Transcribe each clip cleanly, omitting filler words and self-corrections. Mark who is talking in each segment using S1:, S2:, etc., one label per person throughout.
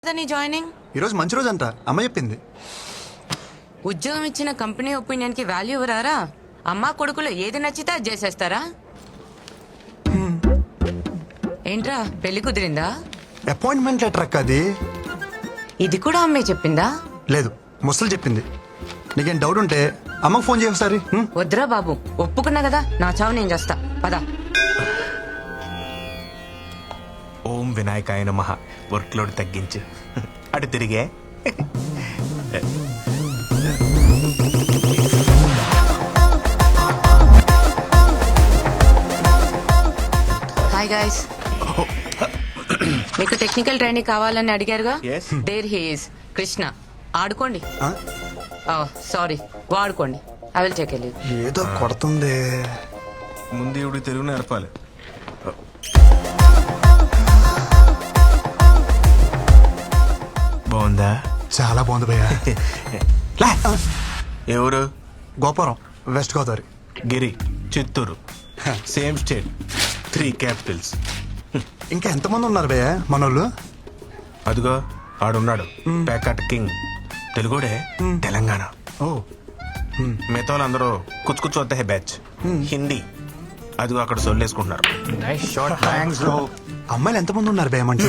S1: నీ జాయినింగ్
S2: ఈరోజు మంచి రోజు అంట అమ్మ చెప్పింది.
S1: ఉద్యోగం ఇచ్చిన కంపెనీ ఒపీనియన్ కి వాల్యూ ఇవ్వరారా? అమ్మా కొడుకులు ఏది నచ్చితే అది చేసేస్తారా? ఏంట్రా పెళ్లి కుదిరిందా?
S2: అపాయింట్మెంట్ లెటర్ అక్క అది.
S1: ఇది కూడా అమ్మే చెప్పిందా?
S2: లేదు, ముసలు చెప్పింది. నీకేం డౌట్ ఉంటే అమ్మకు ఫోన్ చేయ ఒకసారి.
S1: వద్దురా బాబు, ఒప్పుకున్నా కదా, నా చావు నేను చేస్తా. పదా.
S3: ఓం వినాయకాయ నమః. వర్క్ లోడ్ తగ్గించు. అటు తిరిగే.
S1: హాయ్ గైస్, మీకు టెక్నికల్ ట్రైనింగ్ కావాలని అడిగారుగా.
S3: Yes.
S1: There he is Krishna. ఆడుకోండి.
S2: ఆ?
S1: సారీ, వాడుకోండి. I will take leave.
S2: ఏదో కొడుతుంది.
S3: ముందు ఇవిడికి తెలుగు నేర్పాలి. బాగుందా?
S2: చాలా బాగుంది భయ్యా.
S3: ఎవరు?
S2: Gopuram, west Godavari.
S3: Giri, Chittoor. Same state, 3 capitals.
S2: ఇంకా ఎంతమంది ఉన్నారు భయ్యా మనోళ్ళు?
S3: అదిగో ఆడున్నాడు, ప్యాకట్ కింగ్. తెలుగుడే, తెలంగాణ.
S2: ఓ,
S3: మిగతా వాళ్ళందరూ కుచ్చు కుచ్చు వద్ద బ్యాచ్. హిందీ. అదిగో అక్కడ సొల్లేసుకుంటున్నారు.
S2: అమ్మాయిలు ఎంతమంది ఉన్నారు భయ్యా మంచి?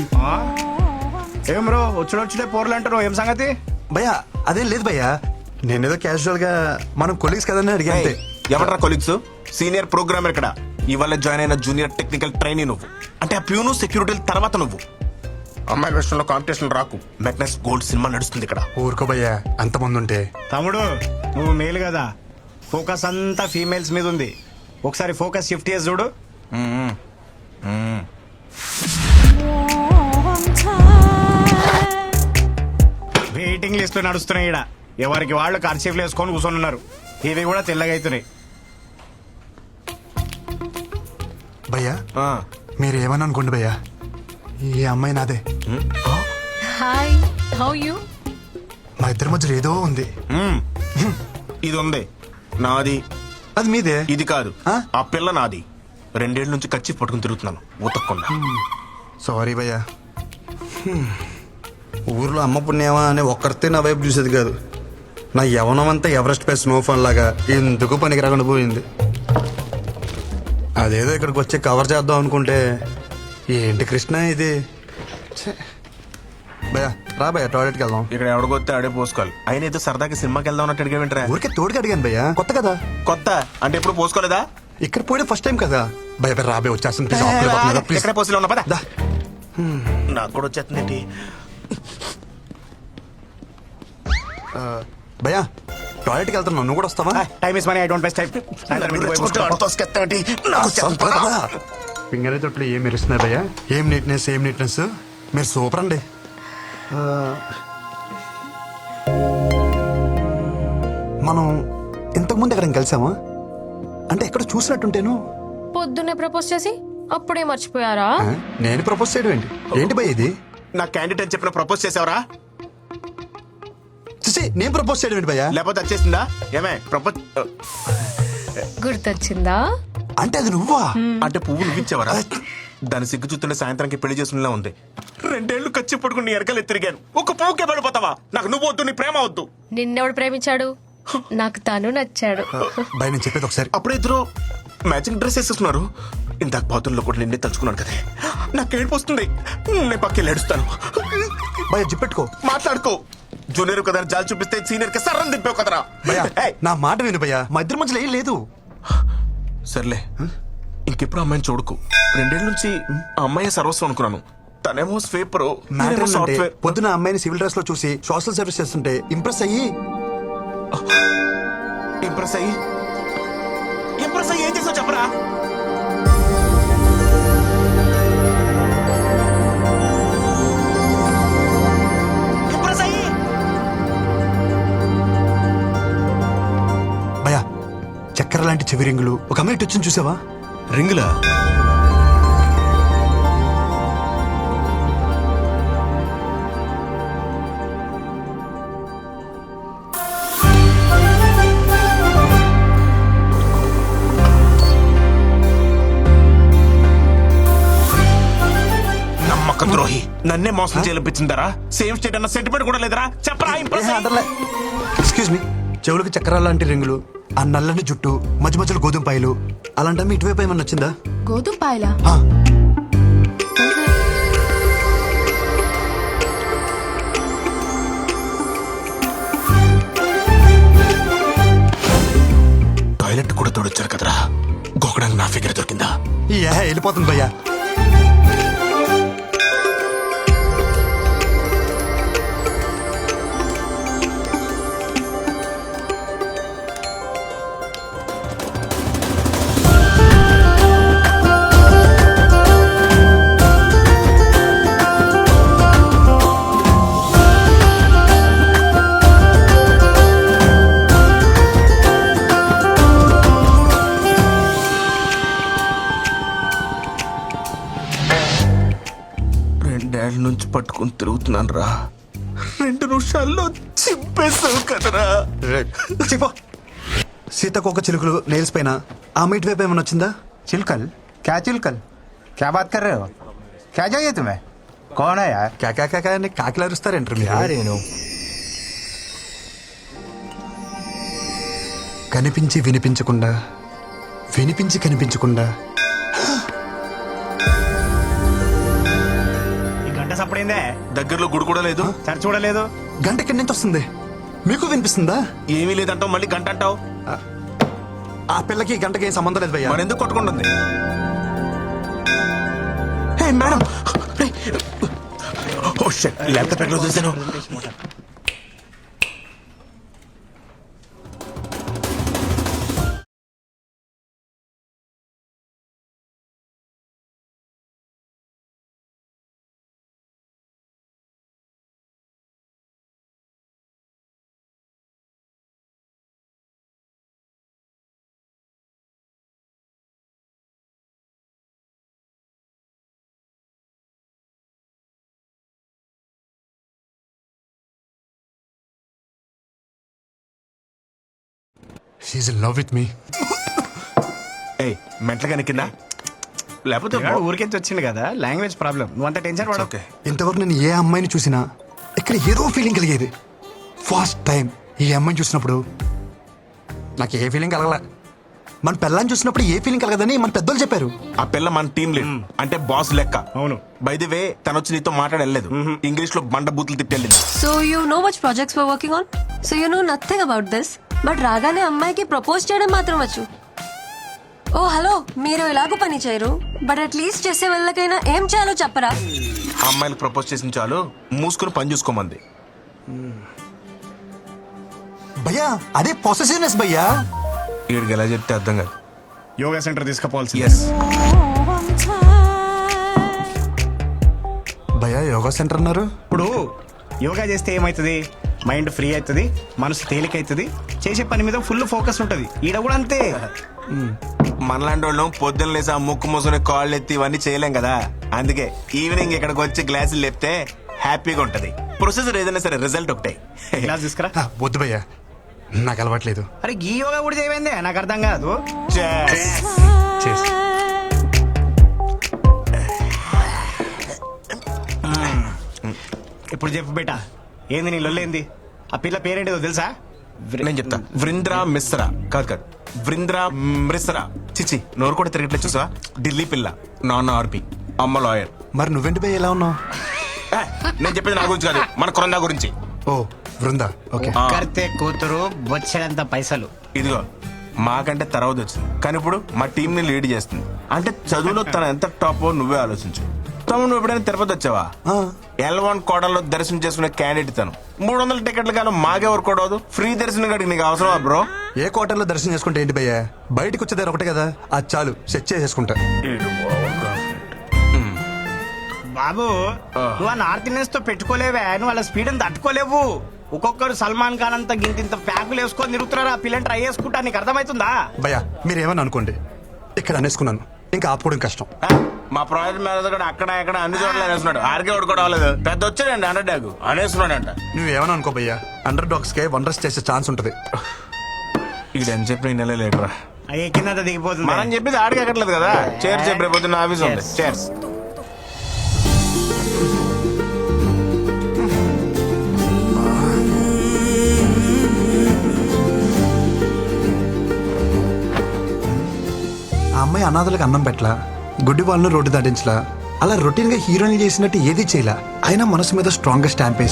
S4: ఏం బ్రో వచ్చుడే పోర్లు అంటారు, ఏం సంగతి?
S2: భయ్యా అదేం లేదు భయ్యా, నేనేదో క్యాజువల్ గా మనం కొలీగ్స్ కదని అడిగా అంతే.
S3: ఎవరా కొలీగ్స్? సీనియర్ ప్రోగ్రామర్ ఇక్కడ. ఇవాళ జాయిన్ అయిన జూనియర్ టెక్నికల్ ట్రైనీ నువ్వు. అంటే ఆ ప్యూను సెక్యూరిటీ తర్వాత నువ్వు. అమ్మాయి విషయంలో కాంపిటీషన్ రాకు. మెగ్నస్ గోల్డ్ సినిమా నడుస్తుంది ఇక్కడ.
S2: ఊరుకో భయ్యా, అంతమంది ఉంటే.
S4: తమ్ముడు నువ్వు మేలు కదా, ఫోకస్ అంతా ఫీమేల్స్ మీద ఉంది. ఒకసారి ఫోకస్ షిఫ్ట్ చేసి చూడు. వెయిటింగ్ లిస్ట్ నడుస్తున్నాయి ఇక్కడ. ఎవరికి వాళ్ళు కర్చీఫ్లు వేసుకొని కూర్చొని ఉన్నారు. ఇవి కూడా తెల్లగా అవుతున్నాయి.
S2: భయ్యా
S3: ఆ,
S2: మీరు ఏమని అనుకోండి భయ్యా, ఈ అమ్మాయి నాదే.
S5: Hi, how you?
S2: మా ఇద్దరి మధ్యలో ఏదో ఉంది.
S3: ఇది ఉంది నాది.
S2: అది మీదే.
S3: ఇది కాదు,
S2: ఆ?
S3: ఆ పిల్ల నాది. 2 ఏళ్ల నుంచి కచ్చి పట్టుకుని తిరుగుతున్నాను ఉతక్కుండా.
S2: సారీ భయ్యా. ఊర్లో అమ్మ పుణ్యమా అని ఒక్కరితే నా వైపు చూసేది కాదు. నా యవనం అంతా ఎవరెస్ట్ పై స్నోఫాల్ లాగా ఎందుకు పనికి రాకుండా పోయింది. అదేదో ఇక్కడికి వచ్చి కవర్ చేద్దాం అనుకుంటే ఏంటి కృష్ణ ఇది. ఛే. భయ్యా రా భయ్యా, టాయిలెట్కి వెళ్దాం.
S3: ఇక్కడ ఎవడగొత్తే ఆడే పోసుకోవాలి. అయినా ఏదో సరదాకి సినిమాకి వెళ్దాం అన్నట్టు అడిగావేంట్రా?
S2: ఊరికే తోడుకి అడిగాను భయ్యా, కొత్త కదా.
S3: కొత్త అంటే ఎప్పుడు పోసుకోలేదా?
S2: ఇక్కడ పోయడం ఫస్ట్ టైం కదా. భయ భయ రాబే వచ్చేస్తుంది. ప్లీజ్, ఆఫ్ కదా, ప్లీజ్.
S3: ఎక్కడ పోసిలో ఉన్నా పద.
S2: దా.
S3: నాకు కూడా వచ్చేస్తుంది.
S2: భయ్యా టాయిలెట్కి వెళ్తున్నావు, నువ్వు కూడా వస్తావా?
S4: Time is money, I don't waste time.
S2: Finger తొట్లు ఏం మెరుస్తున్నాయి భయ్యా. ఏం నీట్నెస్, ఏం నీట్నెస్. మీరు సూపర్ అండి. మనం ఇంతకుముందు ఎక్కడ కలిసామా? అంటే ఎక్కడ చూసినట్టుంటేను.
S5: పొద్దున్నే ప్రపోజ్ చేసి అప్పుడే మర్చిపోయారా?
S2: ఆ? నేను ప్రపోజ్ చేయడం ఏంటి? ఏంటి భయ్య ఇది?
S3: నా క్యాండిడేట్ అని చెప్పిన ప్రపోజ్ చేసావరా?
S2: చూసి నేను ప్రపోజ్ చేయడం ఏంటి భయ్యా?
S3: లేకపోతే వచ్చేసిందా? ఏమే ప్రపోజ్
S5: గుర్తొచ్చిందా?
S2: అంటే అది నువ్వా?
S3: అంటే పువ్వు నువ్విచ్చావరా? దాని సిగ్గు చూస్తుంటే సాయంత్రానికి పెళ్లి చేసుకునేలా ఉంది. 2 ఏళ్లు కచ్చి పట్టుకుని నీ ఎరకలు తిరిగాను. ఒక పువ్వుకే పడిపోతావా? నాకు నువ్వు వద్దు, నీ ప్రేమ వద్దు.
S5: నిన్నెవడు ప్రేమించాడు? నాకు తను నచ్చాడు.
S2: భయ నేను చెప్పేది ఒకసారి.
S3: అప్పుడే ఇద్దరు మ్యాచింగ్ డ్రెస్ వేసేస్తున్నారు. ఇందాక బాతుల్లో కూడా నిన్నే తలుచుకున్నాను కదా. నాకు ఏడుపు వస్తుంది. నేను పక్కకి ఏడుస్తాను.
S2: భయ జిప్పెట్టుకో,
S3: మాట్లాడుకో. జూనియర్ కదా జాలి చూపిస్తే సీనియర్ కి సర్రం దింపావు కదరా.
S2: భయ్యా
S3: ఏయ్,
S2: నా మాట విను భయ్యా, మా ఇద్దరి మధ్యలో ఏం లేదు.
S3: సర్లే, ఇంకెప్పుడు అమ్మాయిని చూడకు. 2 ఏళ్ల నుంచి ఆ అమ్మాయి సర్వస్వం అనుకున్నాను. తనేమో స్వీపర్,
S2: మ్యాటర్ ఏంటంటే
S3: సాఫ్ట్వేర్.
S2: పొద్దున అమ్మాయిని సివిల్ డ్రెస్ లో చూసి సోషల్ సర్వీస్ చేస్తుంటే ఇంప్రెస్ అయ్యి
S3: ఇంప్రెస్ అయ్యి ఏం చేసావు చెప్పరా? ఇంప్రెస్ అయ్యి
S2: భయ్యా చక్కెర లాంటి చెవి రింగులు ఒక అమ్మాయి ఇటు వచ్చింది చూసావా?
S3: రింగులా? నమ్మక ద్రోహి. నన్నే మోసం చేయించిందరా? సేమ్ స్టేట్ అన్న సెంటిమెంట్ కూడా లేదరా? చెప్పరా ఇంప్రెస్ అయ్యి.
S2: ఎక్స్క్యూజ్ మీ, చెవులకు చక్రాల లాంటి రింగులు, ఆ నల్లని జుట్టు, మధ్య మధ్యలో గోధుమ పాయలు, అలాంటి ఇటువైపు ఏమన్నా వచ్చిందా?
S6: గోధుమ పాయలా?
S2: ఆ,
S3: టాయిలెట్ కూడా తోడొచ్చారు కదరా, గోకడానికి నా ఫిగర్ దొరికిందా?
S2: వెళ్ళిపోతుంది భయ్యా.
S3: రెండేళ్ల నుంచి పట్టుకుని తిరుగుతున్నాను రా, 2 నిమిషాల్లో చింపేసావు కదరా.
S2: చెప్పో. సీతకొక చిలుకలు నెయిల్స్ పైన, ఆమె ఇటువైపు ఏమన్నా వచ్చిందా?
S7: चिलकल? क्या चिलकल? क्या बात कर रहे हो? क्या चाहिए तुम्हें? कौन है यार?
S2: కాకా అని కాకిలు అరుస్తారేంటారు మీరు? కనిపించి వినిపించకుండా, వినిపించి కనిపించకుండా.
S4: ఈ గంట సప్పుడైందే,
S3: దగ్గరలో గుడి కూడా లేదు,
S4: చర్చ చూడలేదు.
S2: గంట ఎక్కడి నుంచి వస్తుంది? మీకు వినిపిస్తుందా?
S3: ఏమీ లేదంటావు, మళ్ళీ గంట అంటావు.
S2: ఆ పిల్లకి ఈ గంటకి ఏం సంబంధం లేదు భయ్యా.
S3: మరెందుకు కొట్టుకుంటుంది? Hey madam, oh shit, laptop ఎక్కడ చూసాను?
S2: She in love with me.
S3: ఏయ్, మెంటలుగా కింద లేకపోతే
S4: పిల్లాడు ఊరికెంచి వచ్చింది కదా, లాంగ్వేజ్ ప్రాబ్లం. నువ్వు అంత టెన్షన్ పడవు.
S3: ఓకే.
S2: ఇంతవరకు నేను ఏ అమ్మాయిని చూసినా ఇక్కడ ఏదో ఫీలింగ్ కలిగేది. ఫస్ట్ టైం ఈ అమ్మాయిని చూసినప్పుడు నాకు ఏ ఫీలింగ్ కలగలే. మన పిల్లని చూసినప్పుడు ఏ ఫీలింగ్ కలగదని మన పెద్దోళ్ళు చెప్పారు.
S3: ఆ పిల్ల మన టీం లీడ్, అంటే బాస్ లెక్క.
S4: అవును.
S3: బై ది వే, తను వచ్చి నీతో మాట్లాడలేదు, ఇంగ్లీష్ లో బండ బూతులు తిట్టెళ్ళింది.
S5: So you know which projects we're working on? So you know nothing about this? But రాగానే అమ్మాయికి ప్రపోజ్ చేయడం మాత్రం వచ్చు. ఓ హలో, మీరు ఎలాగో పని చేయరు, బట్ అట్లీస్ట్ చేసే వాళ్ళకైనా ఏం చేయాలో చెప్పరా?
S3: అమ్మాయిలకు ప్రపోజ్ చేసిన చాలు, మూసుకుని పని చూసుకోమంది.
S2: భయ్యా అదే పొసెసివ్నెస్ భయ్యా.
S3: వీడికి ఎలా చెప్తే అర్థం కాదు.
S4: Yoga centre తీసుకుపోవాల్సి.
S3: ఎస్,
S2: భయ్యా యోగా సెంటర్ అన్నారు.
S4: ఇప్పుడు యోగా చేస్తే ఏమవుతుంది? మైండ్ ఫ్రీ అవుతుంది, మనసు తేలిక అవుతుంది, చేసే పని మీద ఫుల్ ఫోకస్ ఉంటుంది. ఈడ కూడా అంతే.
S3: మనలాంటి వాళ్ళం పొద్దున్న లేసి ఆ ముక్కు మూసుకుని కాళ్ళు ఎత్తి ఇవన్నీ చేయలేం కదా. అందుకే ఈవినింగ్ ఇక్కడికి వచ్చి గ్లాసులు లేపితే హ్యాపీగా ఉంటది. ప్రొసెసర్ ఏదైనా సరే రిజల్ట్ ఒకటే.
S4: క్లాస్ తీసుకురా.
S2: వద్దు భయ్యా, నాకు అలవాట్లేదు.
S4: అరే ఈ యోగా కూడా చేయమైందే, నాకు అర్థం కాదు.
S2: చేసి
S4: ఇప్పుడు చెప్పు బేటా, ఏంది నీ లొల్లేంది? ఆ పిల్ల పేరేంటిదో తెలుసా?
S3: నేను చెప్తా. వృంద్రా మిశ్రా. కాదు, వృంద్రా మిశ్రా. చిచి, నోరు కూడా తిరగట్లేదు చూసా. ఢిల్లీ పిల్ల, నాన్న ఆర్పి, అమ్మ లాయర్.
S2: మరి నువ్వేంటి భయ్య ఎలా ఉన్నావు?
S3: నేను చెప్పేది నా గురించి కాదు, మన కొరందా గురించి.
S2: ఓ బృందా, ఓకే.
S4: కర్తే కూతురు బొచ్చడంత పైసలు.
S3: ఇదిగో మాకంటే తర్వాత వచ్చింది, కానీ ఇప్పుడు మా టీం ని లీడ్ చేస్తుంది. అంటే చదువులో తన ఎంత టాప్ నువ్వే ఆలోచించు. తమ్ముడు, నువ్వు ఎప్పుడైనా తిరుపతి వచ్చావా? L1 కోటలో దర్శనం చేసుకునే క్యాండిడేట్ తను. 300 టికెట్లు కానీ మాకెవరు కూడదు. ఫ్రీ దర్శనం కాడికి నీకు అవసరమా బ్రో?
S2: ఏ కోటల్లో దర్శనం చేసుకుంటే ఏంటి భయ్యా, బయటకు వచ్చేదారు ఒకటే కదా, అది చాలు, సెట్ చేసేసుకుంటా.
S4: బాబు, నువ్వు ఆ నార్త్ ఇండియన్స్ తో పెట్టుకోలేవే, నువ్వు వాళ్ళ స్పీడ్ తట్టుకోలేవు. ఒక్కొక్కరు సల్మాన్ ఖాన్ అంతా గింత ప్యాకులు వేసుకొని తిరుగుతున్నారు. ఆ పిల్లని ట్రై చేసుకుంటా, నీకు అర్థమవుతుందా?
S2: భయ్యా మీరేమని అనుకోండి, ఇక్కడ అనేసుకున్నాను, ఇంకా ఆపుకోవడం కష్టం.
S3: మా ప్రాజెక్ట్ మేనేజర్ కూడా అక్కడ ఇక్కడ అన్ని చోట్ల అనేస్తున్నాడు. ఆర్కే వాడుకోవడం అవ్వలేదు, పెద్ద వచ్చాడండి అండర్ డాగ్ అనేస్తున్నాడంట.
S2: నువ్వేమని అనుకో భయ్యా, అండర్ డాగ్స్ కే వండర్స్ చేసే ఛాన్స్ ఉంటది.
S3: ఇక్కడ ఎంత చెప్పిన నెల లేటరా,
S4: అయ్యే కింద దిగిపోతుంది.
S3: మనం చెప్పేది ఆడికి ఎక్కట్లేదు కదా. చేర్స్ రేపు పొద్దున్న ఆఫీస్ ఉంది. చేర్స్.
S2: అమ్మాయి అనాథలకు అన్నం పెట్టలా, గుడ్డి వాళ్ళను రోడ్డు దాటించలా, అలా రొటీన్గా హీరోయిన్ చేసినట్టు ఏది చేయలా, అయినా మనసు మీద స్ట్రాంగ్గా స్టాంప్ వేసి